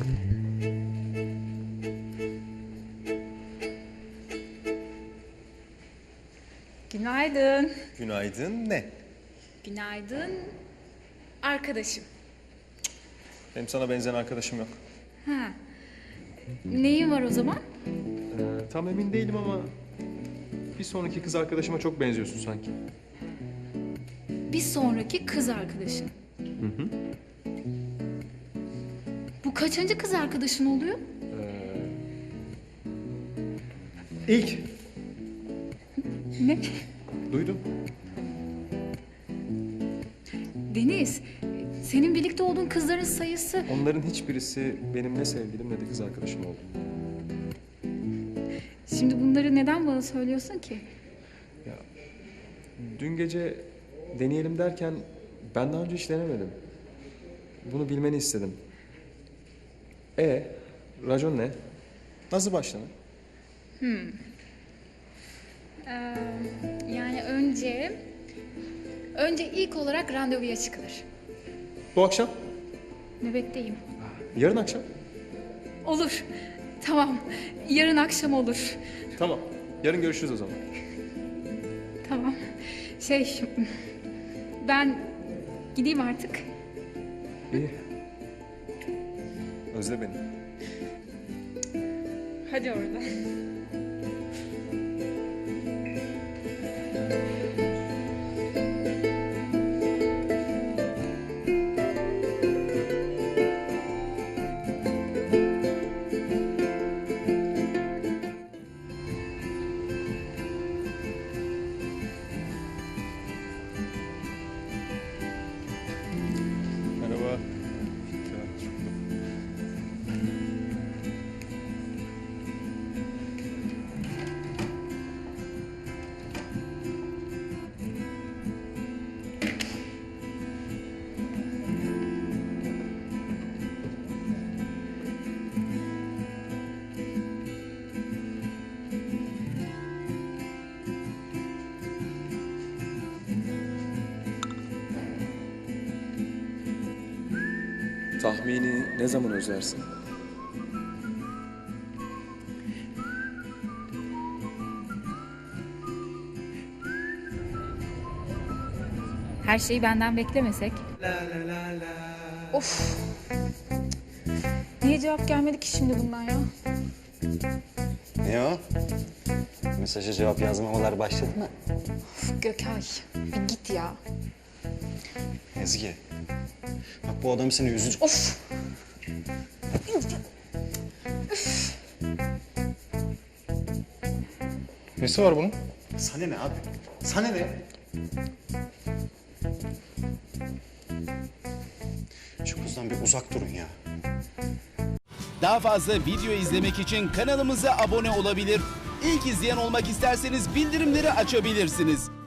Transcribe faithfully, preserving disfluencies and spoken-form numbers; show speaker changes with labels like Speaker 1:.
Speaker 1: Günaydın.
Speaker 2: Günaydın ne?
Speaker 1: Günaydın arkadaşım.
Speaker 2: Benim sana benzeyen arkadaşım yok.
Speaker 1: Ha. Neyin var o zaman?
Speaker 2: Ee, tam emin değilim ama bir sonraki kız arkadaşıma çok benziyorsun sanki.
Speaker 1: Bir sonraki kız arkadaşın.
Speaker 2: Hı hı.
Speaker 1: Bu kaçıncı kız arkadaşın oluyor?
Speaker 2: İlk.
Speaker 1: Ne?
Speaker 2: Duydum.
Speaker 1: Deniz, senin birlikte olduğun kızların sayısı...
Speaker 2: Onların hiçbirisi benim ne sevgilim ne de kız arkadaşım oldu.
Speaker 1: Şimdi bunları neden bana söylüyorsun ki?
Speaker 2: Ya, dün gece deneyelim derken ben daha önce hiç denemedim. Bunu bilmeni istedim. E, racon ne? Nasıl başlanır?
Speaker 1: Hmm. Ee, yani önce... Önce ilk olarak randevuya çıkılır.
Speaker 2: Bu akşam?
Speaker 1: Nöbetteyim.
Speaker 2: Yarın akşam?
Speaker 1: Olur. Tamam. Yarın akşam olur.
Speaker 2: Tamam. Yarın görüşürüz o zaman.
Speaker 1: Tamam. Şey... Ben gideyim artık.
Speaker 2: İyi. Özle beni.
Speaker 1: Hadi orada.
Speaker 2: Merhaba. Tahmini ne zaman özlersin?
Speaker 1: Her şeyi benden beklemesek. Of. Niye cevap gelmedi ki şimdi bundan ya?
Speaker 3: Ne o? Mesaja cevap yazmamalar başladı mı?
Speaker 1: Of, Gökay, bir git ya.
Speaker 3: Ezgi. Bak bu adam seni üzücü...
Speaker 1: Of.
Speaker 2: Nesi var bunun?
Speaker 3: Sana ne abi? Sana ne? Şu kızdan bir uzak durun ya.
Speaker 4: Daha fazla video izlemek için kanalımıza abone olabilir. İlk izleyen olmak isterseniz bildirimleri açabilirsiniz.